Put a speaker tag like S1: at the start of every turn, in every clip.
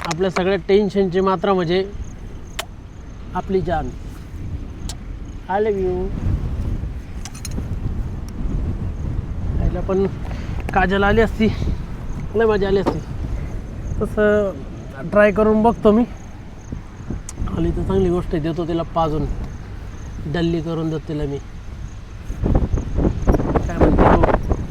S1: आपल्या सगळ्या टेन्शनची मात्रा म्हणजे आपली जान. I love you. आईला पण काजल आली असती, लय मजा आली असती. तसं ट्राय करून बघतो मी. आली तर चांगली गोष्ट आहे, देतो तिला पाजून, डल्ली करून देतो तिला मी. काय म्हणतो?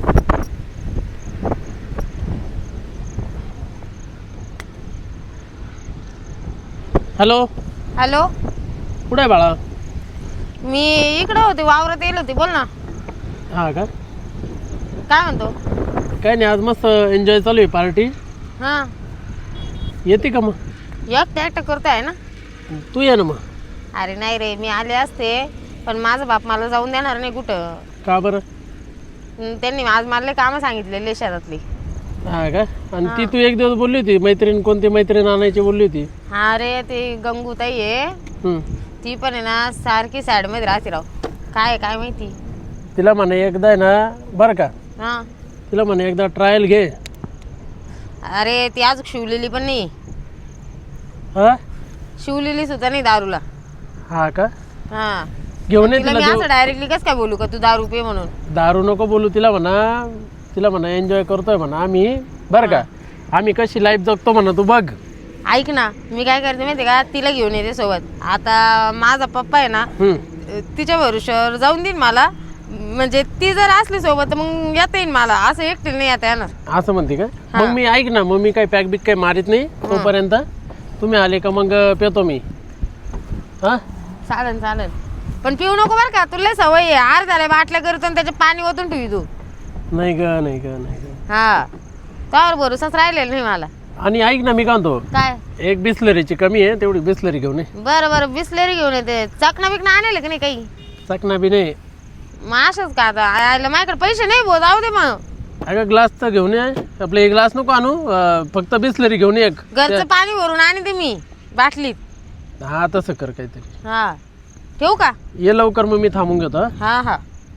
S1: हॅलो.
S2: हॅलो,
S1: कुठे आहे बाळा?
S2: मी इकडे होते, वावरात येईल होती. बोल ना.
S1: हा का?
S2: काय म्हणतो?
S1: काय नाही, आज मस्त एन्जॉय चालू आहे, पार्टी.
S2: हां,
S1: येते का मग?
S2: एकटं करताय ना?
S1: तू ये ना मग.
S2: अरे नाही रे, मी आले असते पण माझा बाप मला जाऊन देणार नाही कुठं.
S1: का बरं?
S2: त्यांनी आज मला कामं सांगितलेले शेतातली.
S1: हा का? आणि ती तू एक दिवस बोलली होती मैत्रीण, कोणती मैत्रीण आणायची बोलली होती?
S2: हा रे, ती गंगूताई आहे, ती पण आहे ना सारखी साईडमध्ये राहते राव. काय माहिती.
S1: तिला म्हणे एकदा आहे ना, बरं का,
S2: हां,
S1: तिला म्हणे एकदा ट्रायल घे.
S2: अरे ती आज शिवलेली पण नाही.
S1: हा
S2: शिवलेली सुद्धा नाही दारूला.
S1: हा का?
S2: हां,
S1: घेऊन ये
S2: तिला
S1: तिला.
S2: मी असं डायरेक्टली कसं काय बोलू का तू दारू पे म्हणून?
S1: दारू नको बोलू तिला, म्हणा एन्जॉय करतोय म्हणा आम्ही, बरं का, आम्ही कशी लाईफ जगतो म्हणा, तू बघ.
S2: ऐक ना, मी काय करते माहिती का, तिला घेऊन येते सोबत. आता माझा पप्पा आहे ना, तिच्या भरोश्यावर जाऊन देईन मला. म्हणजे ती जर असली सोबत तर मग येता येईल मला, असं एकटी नाही येता येणार.
S1: असं म्हणते का? मग मी ऐक ना, मग मी काही पॅक बिक काही मारित नाही तोपर्यंत. तुम्ही आले का मग पेतो मी. हा
S2: चालेल, पण पिऊ नको बरं का, तुला सवय आहे. आर झाल्या बाटल्या करतो आणि त्याचे पाणी ओतून ठेवी तू.
S1: नाही ग.
S2: हा, त्यावर भरोसाच राहिलेला नाही मला.
S1: आणि ऐक ना, मी काय म्हणतो,
S2: काय?
S1: एक बिस्लरीची कमी आहे, तेवढी बिस्लरी घेऊन ये.
S2: बरं बिस्लेरी घेऊन येते. चकना बिकना आणले का नाही काही?
S1: चकना बी नाही.
S2: मग असंच का आता? आयला माझ्याकडे पैसे नाही भाऊ, जाऊ दे मग.
S1: अगं ग्लास तर घेऊन ये. आपलं एक ग्लास नको आणू, फक्त बिस्लरी घेऊन ये एक.
S2: घरचं पाणी भरून आणते मी बाटलीत.
S1: हा तसं कर काहीतरी.
S2: हा, ठेवू का?
S1: ये लवकर, मग मी थांबून घेतो.
S2: हा,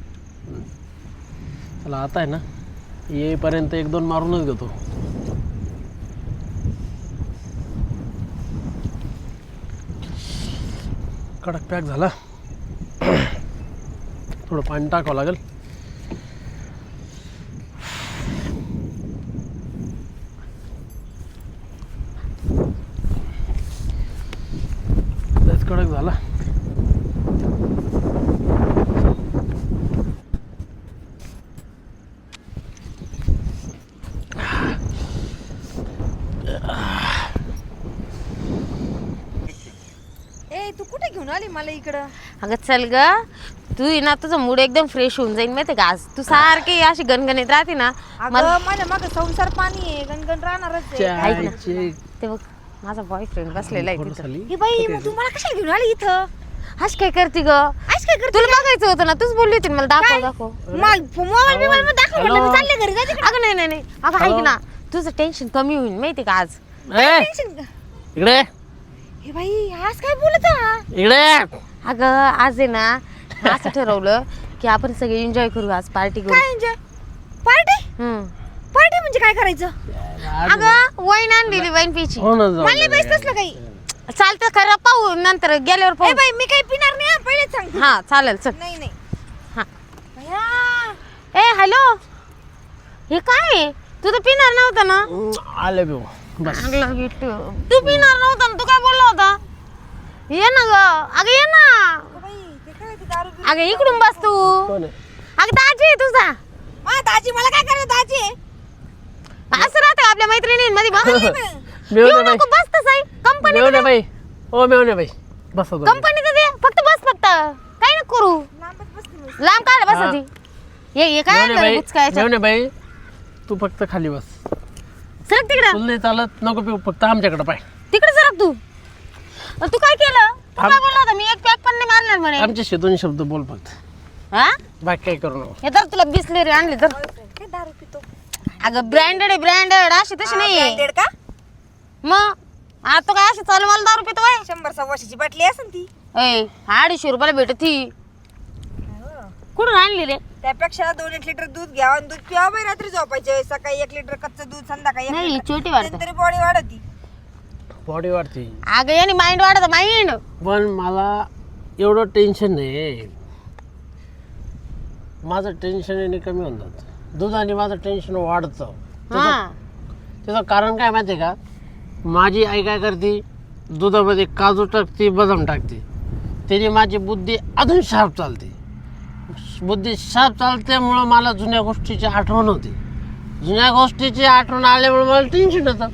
S1: चला आता आहे ना, येईपर्यंत एक दोन मारूनच घेतो. कडक पॅक झाला. थोडं पाणी टाकावं लागेल. लयच कडक झाला.
S3: तू कुठे घेऊन आली मला इकडं?
S2: अगं चल ग, तू ये ना, तुझं मूड एकदम फ्रेश होऊन जाईल माहिती का. आज तू सारखी अशी गणगणीत राहते ना.
S3: माझ्या मागं संसार पाणी आहे, गणगण राहणारच आहे.
S2: ऐक ना, ते बघ माझा बॉयफ्रेंड बसलेला आहे तिथं.
S3: हे बाई, मग तू मला कशाला घेऊन आली इथं?
S2: आज काय करते ग? तुला बघायचं होतं ना, तूच बोलली होती मला दाखव.
S3: मोबाईल बिबाईल मध्ये दाखव म्हटलं, मी चालले घरी जाते.
S2: अगं नाही, अगं ऐक ना, तुझं टेन्शन कमी होईल माहिती का आज.
S1: इकडे
S3: हे बाई, आज काय बोलत हा?
S1: इकडे.
S2: अगं आज आहे ना, असं ठरवलं की आपण सगळे एन्जॉय करू आज, पार्टी करू.
S3: काय एन्जॉय? पार्टी? पार्टी म्हणजे काय करायचं?
S2: अगं वाईन आणलेली, वाईन पिची.
S1: हो ना, जाऊ
S3: मला
S1: दे.
S3: पैसे तसलं काही.
S2: चालतं खरं, पाहू नंतर गेल्यावर
S3: ए
S2: पाहू.
S3: बाई, मी काही पिणार नाही, पहिलेच सांगते.
S2: हा चालेल, चल.
S3: नाही
S2: हा.
S3: भया.
S2: ए हॅलो, हे काय आहे? तू तर पिणार नव्हता ना?
S1: आले भाऊ, बस.
S2: तू पिणार नव्हता ना, तू काय बोलला होता? ये ना ग, अगं ये ना.
S3: बाई, ते काय ते दारू
S2: अगं इकडून बस तू.
S1: कोण आहे?
S2: अगं दाजी आहे तुझा.
S3: दाजी, मला काय करायचं दाजी?
S2: असं राहतं आपल्या मैत्रिणींमध्ये.
S1: मेवणे बाई,
S2: बस तसं कंपनी.
S1: मेवणे बाई, ओ मेवणे बाई, बस आता.
S2: कंपनीचं दे, फक्त बस, फक्त काही नको करू.
S3: लांबच बसते मी.
S2: लांब काय बसायची? ये काय
S1: मेवणे बाई,
S2: बुचकायचं?
S1: मेवणे बाई, तू फक्त खाली बस.
S2: सरक तिकडं.
S1: तुला नाही चालत, नको पिऊ, फक्त आमच्याकडे पाय.
S2: तिकडे सरक तू. तू काय केलं? तू काय बोलला होता? मी एक पॅक पण नाही मारणार म्हणे.
S1: आमच्याशी दोन शब्द बोल फक्त,
S2: हा,
S1: बाकी काही करू नको.
S2: हे तर तुला बिस्लेरी आणली तर.
S3: काय दारू पितो?
S2: अगं ब्रँडेड आहे, ब्रँडेड. अशी तशी नाही.
S3: ब्रँडेड का?
S2: मग आता काय अशी चालू मला दारू पितो बाय.
S3: 100-125ची बाटली असेल ती.
S2: 250 भेटत ती. कुठून आणली रे?
S3: त्यापेक्षा 2-1 लिटर दूध घ्या आणि दूध पिवा बाई. रात्री झोपायच्या वेळेस सकाळी 1 लिटर कच्चं दूध, संध्याकाळी 1
S2: नाही,
S3: लिटर.
S2: छोटी वाटत.
S3: तरी बॉडी वाढती.
S1: बॉडी वाढते.
S2: अगं याने माइंड वाढत माइंड.
S1: पण मला एवढं टेन्शन नाही. माझं टेन्शन याने कमी होऊन जातं. दुधाने माझं टेन्शन वाढतं.
S2: हा
S1: त्याचं कारण काय माहिती आहे का? माझी आई काय करते, दुधामध्ये काजू टाकते, बदाम टाकते. त्याने माझी बुद्धी अजून शार्प चालते. बुद्धी शार्प चालल्यामुळं मला जुन्या गोष्टीची आठवण होते. जुन्या गोष्टीची आठवण आल्यामुळे मला टेन्शन येतं.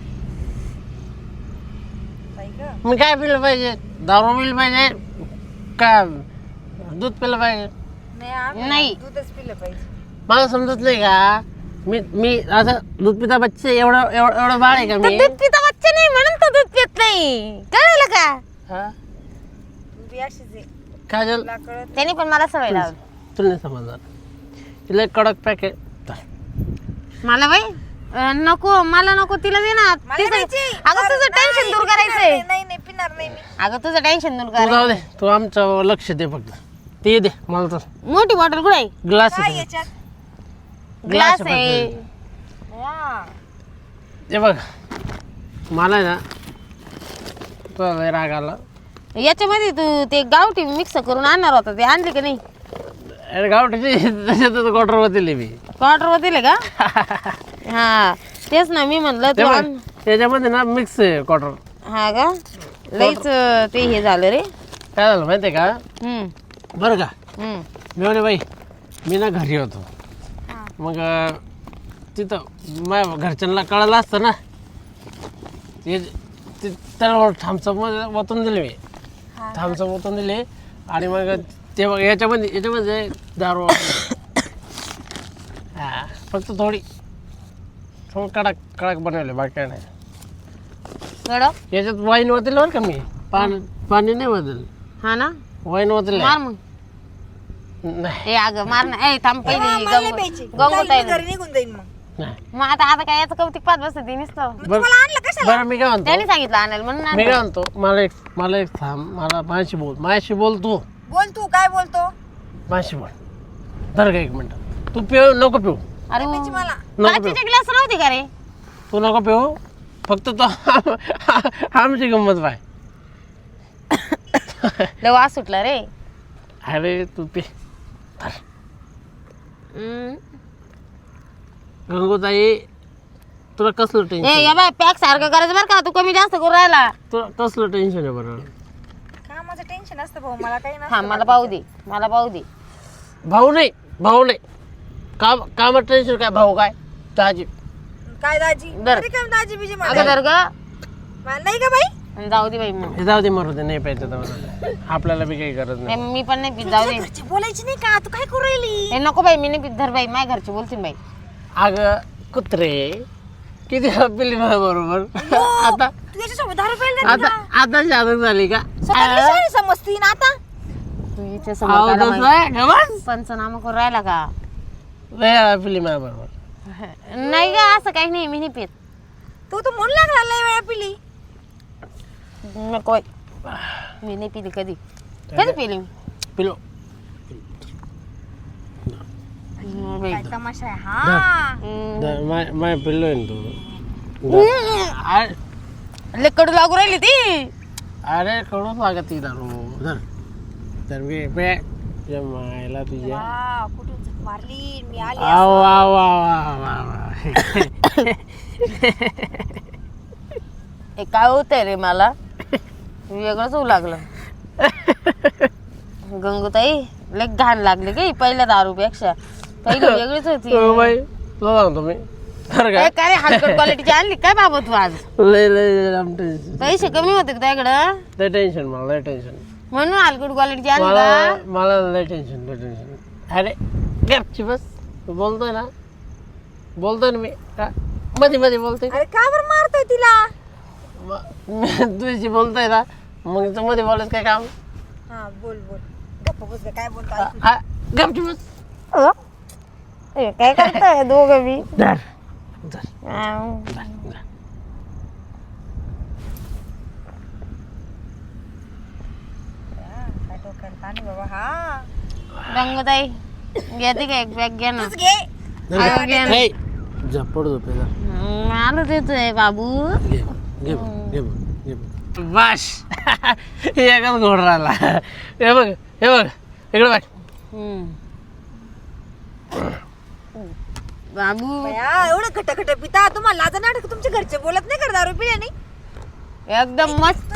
S1: मी काय पिलं पाहिजे? दारू पिलं पाहिजे का दूध पिलं पाहिजे?
S2: नाही
S3: दूधच पिलं पाहिजे.
S1: मला समजत नाही का? मी असं दूध पिता बच्चे एवढं एवढं एवढं बाळ आहे का
S2: तर
S1: मी?
S2: दूध पिता बच्चा नाही म्हणून तो दूध पित नाही, कळलं का?
S1: हा?
S3: तू बी अशीच आहे.
S1: काजल
S3: तुला कळत
S2: त्याने पण मला सवय लावली.
S1: तुला नाही समजणार. तिला एक कडक पॅक आहे.
S2: मला बाई नको, मला नको, तिला दे ना.
S3: मला
S2: तिचं-
S3: द्यायची.
S2: अगं तुझं टेन्शन दूर करायचंय.
S3: नाही नाही पिणार नाही मी.
S2: अगं तुझं टेन्शन दूर
S1: तू जाऊ
S2: करायचं.
S1: दे, तू आमचं लक्ष दे फक्त. ते दे मला तर
S2: मोठी बॉटल कुठे आहे?
S1: ग्लास
S3: काय
S1: आहे.
S3: याच्यात?
S2: ग्लास आहे.
S3: वा.
S1: ते बघ मला आहे ना तुला लय राग आला.
S2: याच्यामध्ये तू ते गावठी मिक्स करून आणणार होता, ते आणले का नाही?
S1: अरे गावठी त्याच्यातच क्वार्टर होतील मी.
S2: क्वार्टर वर दिले का? हा तेच ना मी म्हणलं
S1: ते
S2: तू
S1: बघ
S2: आण.
S1: त्याच्यामध्ये ना मिक्स आहे क्वार्टर.
S2: हा का? लईच ते हे झालं रे.
S1: काय झालं माहिती आहे का? बरं का
S2: हम्म.
S1: मी म्हणे बाई मी ना घरी होतो. मग तिथं माझ्या घरच्यांना कळलं असतं ना. त्याला थांबचं ओतून दिले मी. थांबचं ओतून दिले आणि मग ते बघ याच्यामध्ये दारू हा फक्त थोडी कडक कडक बनवले, बाकी काय नाही.
S2: कडक
S1: याच्यात वाईन वतेल बरं का मी. पाणी नाही वतेल,
S2: हा ना.
S1: वाईन वतेल
S2: मार मग.
S1: नाही.
S2: ए अगं मार ना. ए थांब
S3: मला नाही प्यायची. चालेल, मी घरी निघून जाईन मग.
S1: नाही.
S2: मग आता काय याचं कौतिक पाच बसत ते नुसतं.
S3: मग तुम्हाला आणलं कशाला?
S1: बरं मी काय म्हणतो,
S2: त्याने सांगितलं आणायला म्हणून
S1: मी
S2: आणलं.
S1: काय म्हणतो, मला एक थांब. मला माझ्याशी बोल तू.
S3: बोल तू काय बोलतो?
S1: माझ्याशी बोल. धर का एक मिनिट. तू पिऊ नको पिऊ.
S2: अरे
S3: प्यायची मला.
S2: काचेचे ग्लास नव्हते का रे?
S1: तू नको पिऊ. फक्त तो आमची गंमत पाय.
S2: लय वास सुटला रे.
S1: अरे तू पी.
S2: हम्म.
S1: गंगोताई तुला कसलं
S2: ए
S1: टेन्शन?
S2: या बाय पॅक सारखं करायचं बरं का, तू कमी जास्त करून राहिला.
S1: तुला कसलं टेन्शन आहे बरं?
S3: कामाचं टेन्शन असतं भाऊ, मला काही
S2: हा
S3: नसतं.
S2: मला पाहू दे, मला पाहू दे.
S1: भाऊ नाही कामात टेन्शन काय? भाऊ काय दाजी?
S3: काय दाजी?
S2: दर.
S3: अरे काय दाजी बिजी मला?
S2: अगं दर ग.
S3: मला नाही का बाई?
S2: आणि जाऊ दे बाई मग.
S1: हे जाऊ दे, मरू दे, नाही प्यायचं तर आपल्याला बी काही गरज नाही.
S2: मी पण नाही पीत, जाऊ दे.
S3: घरची बोलायची नाही का? तू काय करू राहिली?
S2: ए नको बाई, मी नाही पीत. धर बाई, माझ्या घरचे बोलतील बाई.
S1: अगं कुत्रे किती पिली माझ्या बरोबर. आता
S3: तू याच्यासोबत दारू प्यायला
S1: आता आता शादक झाली का?
S3: समजती ना आता.
S2: तू हिच्या
S1: अहो,
S2: समोर काला
S1: तसं
S2: माहिती.
S1: आहे का बस?
S2: पंचनामा करून राहिला का?
S1: लय वेळा पिली माझ्या बरोबर.
S2: नाही ग, असं काही नाही, मी नाही पीत.
S3: तू तर म्हणून लागला लय वेळा पिली.
S2: नको बाई. मी नाही पिली कधी. कधी पिली मी?
S1: पिलो.
S2: बाई.
S3: काय तमाशा आहे हा?
S1: माय पिल्लो आहे ना तू.
S2: लय कडू लागू राहिली ती.
S1: अरे कडूच लागत ती दारू. धर तर मी पे मायला तुझ्या.
S3: वा, कुठून झक मारली मी आली.
S1: आव आव आव आव आव.
S2: हे काय होतंय रे मला? वेगळंच होऊ लागलं. गंगूताई लय घाण लागली की पहिल्या दारूपेक्षा. पहिली वेगळीच होती.
S1: हो बाई तुला सांगतो मी. तर
S2: ए, काय हलकट क्वालिटीची आणली काय बाबा तू आज?
S1: लय लय लांब टेन्शन.
S2: पैसे कमी होते का त्याकडं
S1: लय टेन्शन मला, लय टेन्शन.
S2: म्हणून हलकट क्वालिटीची आणली का?
S1: मला लय टेन्शन, लय टेन्शन. अरे गपची बस. तू बोलतोय ना ना मी का मध्ये मध्ये बोलतोय.
S3: अरे का बरं मारतोय तिला?
S1: तुझी बोलतोय ना, मग तू मध्ये बोलायचं काय काम?
S3: हा बोल बोल. गप्प बस गं, काय बोलतो?
S1: गपची बस.
S2: ए, काय करताय दोघं बी?
S1: धर धर
S2: आव.
S1: धर.
S3: काय डोक्याला ताण आहे बाबा हा.
S2: गंगूताई घेते का एक बॅग घ्या ना.
S3: तूच घे.
S2: अगं, घे ना.
S1: हे, झपड झोपेला.
S2: मला देतोय बाबू.
S1: घे घे घे. बस एकच घोड राहिला. हे बघ इकडे बघ.
S2: बाबू
S3: बया, एवढं खट पिता तुम्हाला लाज नाटक तुमच्या घरचे बोलत नाही का दारू पिल्याने?
S2: एकदम मस्त.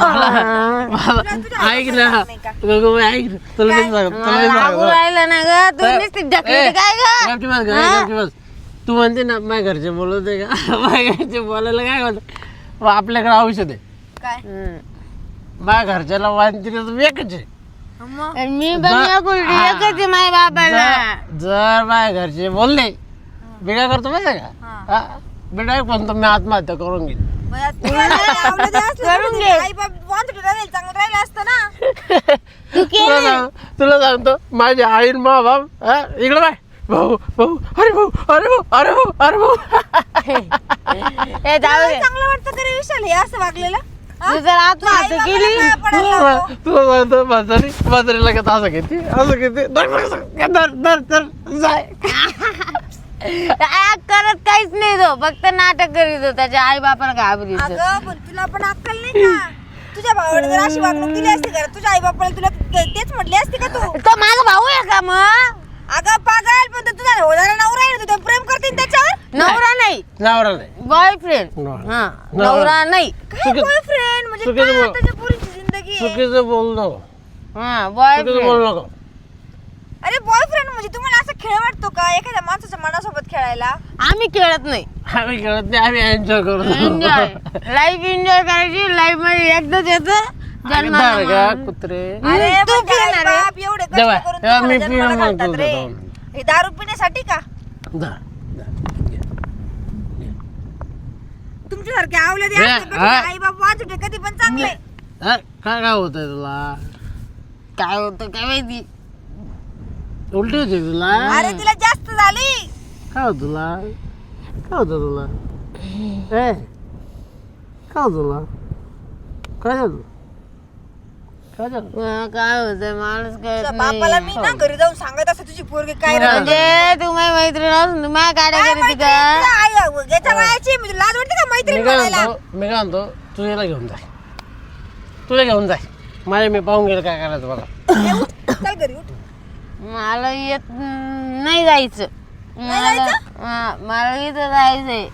S1: ऐक ना गगूबाई, ऐक ना, तुला नाही सांगत, तुला नाही
S2: बाबू
S1: सांगत.
S2: राहिलं ना ग तू नुसती ढकलते काय ग?
S1: गपची बस, गपची बस. तू म्हणते ना माझ्या घरचे बोलवते का? माझ्या घरचे बोलायला काय म्हणत, आपल्याकडे औषध आहे.
S3: काय
S1: माझ्या घरच्याला वांती एकच आहे.
S3: मग
S2: मी पण एकच आहे माझ्या बाबाला.
S1: जर माझ्या घरचे बोलले मी काय करतो माहिती आहे का? मी डायरेक्ट म्हणतो मी आत्महत्या करून घेईन.
S3: बया, तुला जर आवडलं ते असलं
S2: करून
S3: तर
S2: घे.
S3: आई बाप वांदुटे राहील, चांगलं राहिलं असतं ना.
S1: तुला सांगतो माझी आई आणि मा बाप इकडे बाय भाऊ भाऊ अरे भाऊ अरे भाऊ अरे भाऊ अरे भाऊ.
S2: हे जाऊ दे.
S3: चांगलं वाटतं का रे विशाल हे असं वागलेलं?
S2: तू जर आत्महत्या केली
S1: तुला सांगतो म्हातारी लगेच असं घेते धर जाय.
S2: करत काहीच नाही तो, फक्त नाटक करीत त्याच्या आई बापाला घाबरीत.
S3: अगं पण तुला पण अक्कल नाही का? तुझ्या भावाने जर अशी वागणूक दिली असती का तुझ्या आई बापाला, तुला तेच म्हटली असती का तू?
S2: तो माझा भाऊ आहे का मग?
S3: अगं पागल, पण तो तुझा होणारा नवरा आहे ना, तू प्रेम करते त्याच्यावर?
S2: नवरा नाही,
S1: नवरा नाही.
S2: बॉयफ्रेंड.
S1: नवरा.
S2: हा, नवरा नाही.
S3: काय बॉयफ्रेंड म्हणजे
S1: चुकीचं
S3: काय
S1: बोल.
S3: त्याच्या पोरीची जिंदगी आहे?
S1: चुकीचं बोल नको,
S2: हा,
S1: चुकीचं
S2: बॉयफ्रेंड.
S1: बोल नको.
S3: अरे बॉयफ्रेंड म्हणजे तुम्हाला असं खेळ वाटतो का एखाद्या माणसाच्या मनासोबत खेळायला?
S2: आम्ही खेळत नाही.
S1: आम्ही खेळत नाही, आम्ही एन्जॉय करतो.
S2: एन्जॉय लाईफ एन्जॉय करायची. लाईफ मध्ये एकदाच येतं जन्माला
S1: का
S2: मग.
S1: कुत्रे.
S3: अरे
S2: तू
S3: म्हणजे आई
S2: पिणार आहे?
S3: बाप एवढे कष्ट
S1: जेव्हा-
S3: करून
S1: जेव्हा मी
S3: तुम्हाला
S1: पिणार
S3: जन्माला
S1: मग
S3: घालतात
S1: तू
S3: रे.
S1: जाऊन.
S3: हे दारू पिण्यासाठी का?
S1: धर.
S3: तुमच्यासारखे आवले
S1: हे, हा.
S3: आई बाप वाचते कधी पण चांगले.
S1: काय होतंय तुला?
S2: काय होतं काय माहिती.
S1: उलटी होती तुला?
S3: अरे तिला जास्त झाली.
S1: काय होत तुला? काय होतं तुला? ए काय होत तुला? काय झालं? काय झालं?
S2: काय होतं माणूस
S3: तुझ्या
S2: कळत
S3: बापाला
S2: नाही.
S3: मी ना घरी जाऊन सांगत असं तुझी पोरगी काय रे?
S2: म्हणजे तू माझी मैत्रीण असून तू माझ्या गाड्या
S3: काय
S2: करते
S3: मैत्रीण?
S2: का?
S3: तुझ्या आई याच्या वयाची म्हणजे लाज वाटते का मैत्रीण
S1: मी काय
S3: म्हणायला?
S1: म्हणतो तू याला घेऊन जाय, तुला घेऊन जाय. माझ्या मी पाहून गेलं काय करायचं मला.
S3: ये उठ, चल घरी उठ.
S2: मला येत नाही जायचं. मला इथं जायचंय.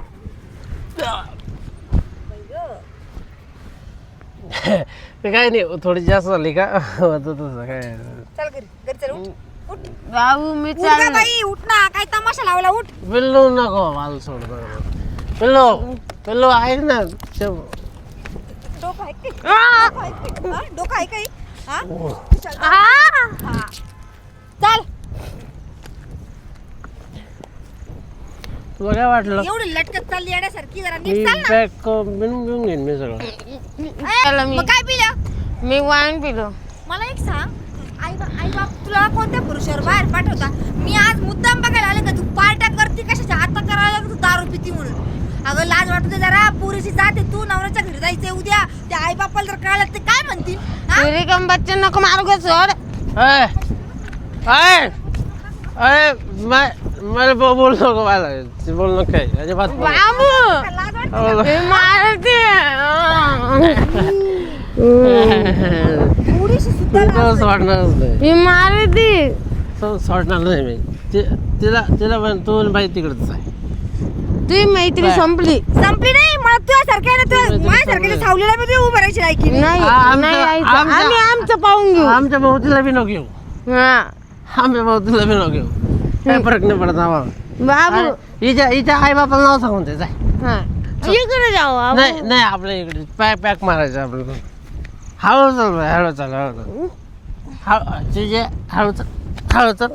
S1: ते काय नाही, थोडी जास्त झाली का होतं तसं काय.
S3: चल घरी घरी चल उठ. उठ
S2: बाबू मी
S3: उठ का
S2: चाल.
S3: बाई उठ ना, काय तमाशा लावला उठ.
S1: पिल्लू नको मला सोड. पिल्लू पिल्लू ऐक ना.
S3: डोकं आहे का? डोकं आहे का? हा? डोकं आहे काही? हा? चल, हा. चल
S1: तुला काय वाटलं?
S3: एवढी लटकत चालली येण्यासारखी जरा
S1: मी
S3: नीट चाल ना.
S1: बॅग बिनून घेऊन घेईन मी सगळं.
S2: चला मी.
S3: मग काय पिलं?
S2: मी वाईन पिलो.
S3: मला एक सांग, आई बाप तुला कोणत्या पुरुषावर बाहेर पाठवता? मी आज मुद्दाम बघायला आले का तू पार्ट्या करते कशाच्या? आता करायला लागलं तू दारू पिती म्हणून. अगं लाज वाटते जरा, पुरीची जाते तू, नवऱ्याच्या घरी जायचंय उद्या. त्या आई बापाला जर कळलं ते काय म्हणतील? हा?
S2: तुरी कम बच्चन नको मारू का सोड.
S1: मला बोल नको, मला बोल नको काय अजिबात बोल नको.
S2: बाबू
S3: लाज वाटते?
S2: मी मारते.
S3: थोडीशी सुद्धा लाज
S1: तुला सोडणारच नाही,
S2: मी मारते.
S1: सोडणार नाही मी. तिला पण तू बाई तिकडच आहे.
S2: तुझी मैत्री संपली.
S3: संपली नाही. मला तुझ्यासारख्या ना तुझ्या माझ्यासारख्या सावलीला मी तुझी उभं राहायची लायकी नाही.
S2: नाही नाही यायचं. आम्ही आमचं पाहून घेऊ.
S1: आमच्या भाऊतीला बी नको घेऊ.
S2: हा
S1: आमच्या भाऊतीला बी नको घेऊ. काय फरक नाही पडत आम्हाला.
S2: बाबू
S1: हिच्या आई बापाला नाव सांगून ते जाय.
S2: हा इकडे जाऊ बाबू.
S1: नाही नाही आपल्या इकडे पॅक मारायचं आपल्याला. हळू चाल बाई, हळू चाल हळू चाल.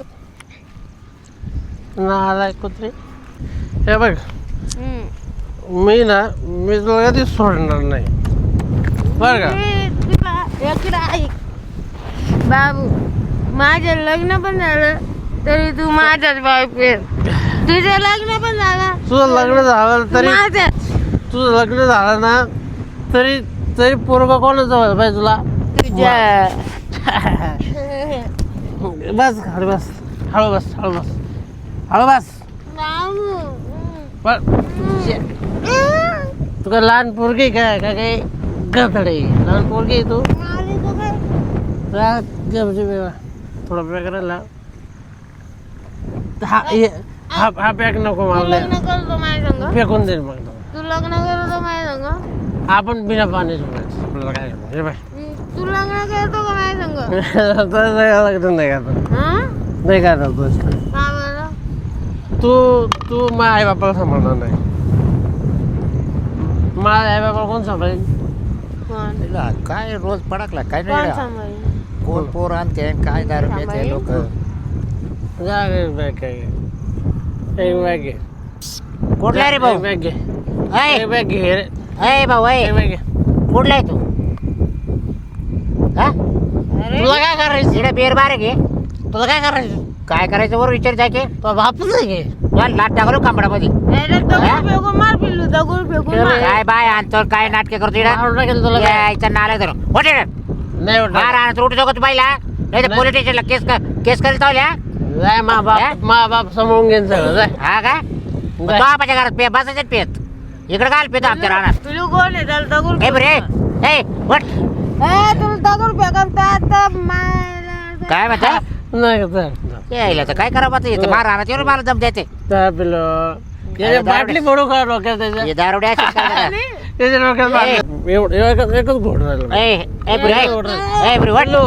S1: नालाय कुत्रे. हे बघ मी तुला कधी सोडणार नाही बरं का.
S2: तुला इकडे ऐक बाबू, माझं लग्न पण झालं तरी तू माझ्याच बॉयफ्रेंड. तुझं लग्न पण झालं,
S1: तुझं लग्न झालं तरी
S2: माझं.
S1: तुझं लग्न झालं ना तरी पोरगा कोणाचं व्हायला पाहिजे तुला?
S2: तुझ्या
S1: बस हळू बस हळू बस हळू बस हळू बस.
S2: बाबू
S1: पण तू काय लहान पोरगी काय काय काय गधडे लहान पोरगी आहे तू थोडा पॅक राहिला हा पॅक नको
S2: तू
S1: मला
S2: लग्न करतो माझ्या संग
S1: फेकून देईल मग
S2: तू लग्न करतो माझ्या संग
S1: आपण बिना पाण्याचं प्यायचं. आपल्याला काय हे बाय
S2: तू लग्न करतो का माझ्या संग
S1: नाही करत
S2: हा
S1: नाही करत बस
S2: का बरं
S1: तू माझ्या आई बापाला सांभाळणार नाही माझ्या आई बापाला कोण सांभाळेल
S2: कोण
S4: तिला काय रोज पडकला काय
S2: कोण
S4: नाही
S2: सांभाळेल
S4: कोण पोर आणते काय दारू पिते लोक
S1: जा रे बॅग काय एक बॅग घे
S4: कुठला रे भाऊ
S1: एक बॅग घे
S4: ऐ
S1: एक बॅग घे रे
S4: ऐ भाऊ ऐ
S1: एक बॅग घे
S4: कुठला आहे तू हा
S1: तुला काय करायचं
S4: इकडे बेर बारे घे
S1: तुला काय करायचं
S4: काय करायचं वर विचार जायचे
S1: तो बापच आहे घे
S4: तुला लाट टाकलो कांबडामध्ये
S2: दगड फेकून मार पिल्लू दगड फेकून मार
S4: काय बाय आणतो काय नाटके करतो इकडे
S1: मारून टाकेल तुला काय
S4: यायचा नाला धरो होते
S1: नाही
S4: मार
S1: वाटत
S4: आणतो उठू नको तू बाईला नाही तर पोलीस स्टेशनला केस करीत आल्या
S1: जाय मा बाप समोरून घेऊन सगळं जाय
S4: हा का तो आपल्या घरात पे बसायचं पेत इकडे काय पेतो आमच्या राहणार
S2: पिल्लू कोण आहे त्याला दगड
S4: ए बरे ए वट
S2: तुला दगड फेकून आता मारायला
S4: काय म्हणता
S1: नाही का
S4: यायला तर काय करावं आता इथं मार राहणार एवढं मला दम द्यायचे
S1: त्या पिलं याच्या बाटली फोडू का डोक्यात त्याच्या
S4: हे दारुड्या अशीच करतात.
S1: त्याच्या डोक्यात बाटली. एकच घोट राहिलं
S4: ए ए बरे ए बरे वट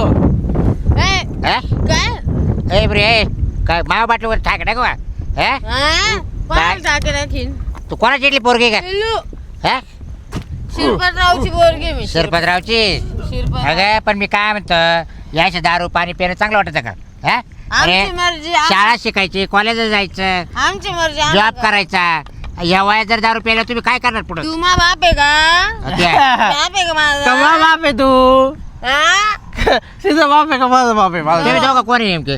S2: काय
S4: ए बरे ए काय मावा बाटलीवर ठाक टाकू का हे
S2: कोणाला टाकेल आणखीन
S4: तू कोणाची इडली पोरगी का
S2: पिल्लू
S4: हे
S2: शिरपतरावची पोरगी मी
S4: सरपतरावची
S2: शिरपत
S4: अगं पण मी काय म्हणतो यायचं दारू पाणी पिणं चांगलं वाटतं का हे अरे
S2: आमची मर्जी
S4: शाळा शिकायची कॉलेजला जायचं
S2: आमची मर्जी
S4: जॉब करायचा या वयात जर दारू प्यायला तुम्ही काय करणार पुढे
S2: तू मा बाप आहे का बाप आहे का माझा
S1: कमा बाप आहे तू
S2: हा?
S1: तिचा बाप आहे का माझा बाप आहे माझा
S4: तुम्ही दोघं कोणी नेमके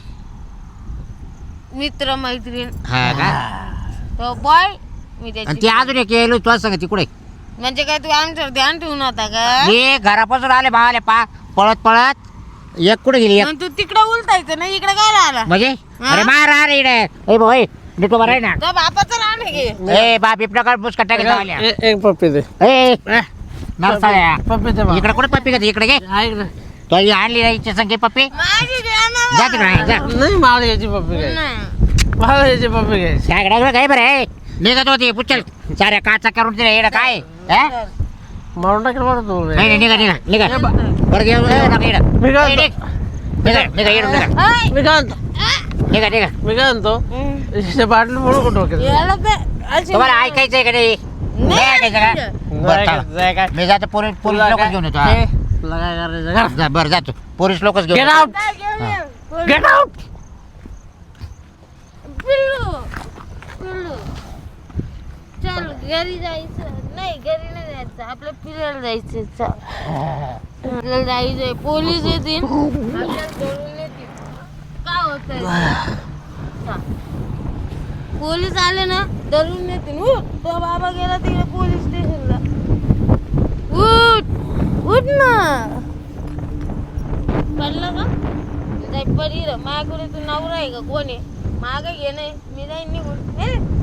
S2: मित्र मैत्रीण
S4: हा का
S2: तो बॉय मी
S4: आणि
S2: त्याची
S4: ती अजून एक येलो तुला सांग तिकडे
S2: म्हणजे काय तू आमच्यावर ध्यान ठेवून होता का
S4: मी घरापासून आले भावाले पळत पळत एक कुठे गेली एक
S2: मग तू तिकडे उलटायचं ना इकडे काय आला
S4: म्हणजे अरे मार अरे इकडे ए भाऊ ए नीट उभा राही ना
S2: तो बापाचं रान आहे की
S4: ए बाप इकडे बुसका टाकायला
S1: एक पप्पी दे
S4: ए नरसाळ्या
S1: पप्पी दे बा.
S4: इकडे कुठे पप्पी घेते इकडे घे
S1: ऐक ना.
S4: तो ही आणली नाही संख्ये पप्पी
S2: माझी देणार
S4: जा तिकडे जा
S1: नाही मला याची पप्पी घ्यायची
S2: नाही.
S1: मला याची पप्पी घ्यायची
S4: सगळ्या काय बरं आहे निघत होती पुचल साऱ्या काचा करून दिल्या येडं काय हे?
S1: मारून टाकेल बरं तू
S4: नाही नाही निघा निघा निघा बरं घेऊन नका येडं
S1: मी काय
S4: ए,
S1: म्हणतो?
S4: निघा निघा येडं निघा
S2: ऐ,
S1: मी काय म्हणतो
S4: निघा निघा
S1: मी काय म्हणतो
S2: हम्म.
S1: याच्या बाटली फोडू का डोक्यात
S2: याला ते अशी-
S4: तुम्हाला ऐकायचंय का नाही नाही ऐकायचं का बरं चला.
S1: जाय काय
S4: मी जातो पोलीस
S1: तुला
S4: लोकच
S1: काय-
S4: घेऊन येतो
S1: हे, तुला काय करायचं
S4: हा. जा, बरं जातो पोलीस लोकच घेऊन
S1: गेट
S4: येतो.
S1: आउट
S2: काय घेऊन ये?
S1: गेट आउट
S2: पिल्लू पिल्लू चल घरी जायचं नाही घरी नाही जायचं आपल्या फिरायला जायचं चल आपल्याला जायचंय पोलीस येतील आपल्याला धरून येतील काय होतंय पोलीस आले ना धरून येतील उठ तो बाबा गेला तिकडे पोलीस स्टेशनला उठ उठ ना पडलं का जाय पडी माझ्याकडे तू नवरा आहे का कोण आहे मागं घे नाही मी जाईन निघून